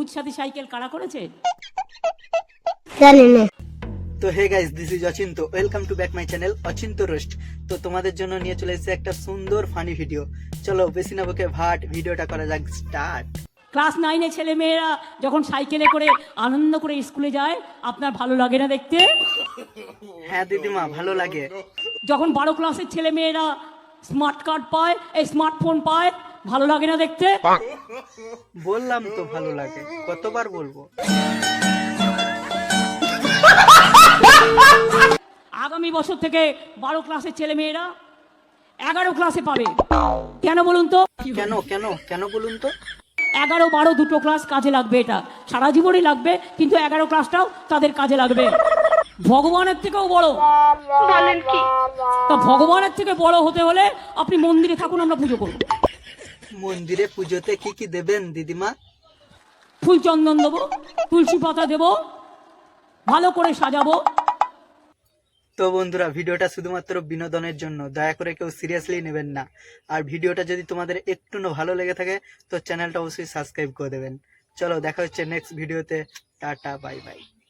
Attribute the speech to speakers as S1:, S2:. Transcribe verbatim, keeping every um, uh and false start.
S1: সবুজ সাথী সাইকেল কারা করেছে?
S2: জানি না।
S3: তো hey guys, this is Achinta, welcome to back my channel Achinta roast. তো তোমাদের জন্য নিয়ে চলে এসেছে একটা সুন্দর ফানি ভিডিও। চলো বেশি না বকে ভাট ভিডিওটা করা যাক স্টার্ট।
S1: ক্লাস নাইনে ছেলে মেয়েরা যখন সাইকেলে করে আনন্দ করে স্কুলে যায়, আপনার ভালো লাগে না দেখতে?
S3: হ্যাঁ দিদিমা, ভালো লাগে।
S1: যখন বারো ক্লাসের ছেলে মেয়েরা স্মার্ট কার্ড পায়, এই স্মার্টফোন পায়, ভালো লাগে না দেখতে?
S3: বললাম তো ভালো লাগে, কতবার বলবো।
S1: আগামী বছর থেকে বারো ক্লাসের ছেলে মেয়েরা এগারো ক্লাসে পাবে। কেন বলুন তো?
S3: কেন কেন কেন বলুন তো?
S1: এগারো বারো দুটো ক্লাস কাজে লাগবে, এটা সারা জীবনই লাগবে, কিন্তু এগারো ক্লাসটাও তাদের কাজে লাগবে। ভগবানের থেকেও বড়।
S2: বলেন কি?
S1: তা ভগবানের থেকে বড় হতে হলে আপনি মন্দিরে থাকুন, আমরা পুজো করব।
S3: মন্দিরে পুজোতে কি কি দেবেন দিদিমা?
S1: ফুল চন্দন দেবো, তুলসী পাতা দেবো, ভালো করে সাজাবো।
S3: তো বন্ধুরা, ভিডিওটা শুধুমাত্র বিনোদনের জন্য, দয়া করে কেউ সিরিয়াসলি নেবেন না। আর ভিডিওটা যদি তোমাদের একটু ভালো লেগে থাকে তো চ্যানেলটা অবশ্যই সাবস্ক্রাইব করে দেবেন। চলো দেখা হচ্ছে নেক্সট ভিডিওতে। Tata, bye by.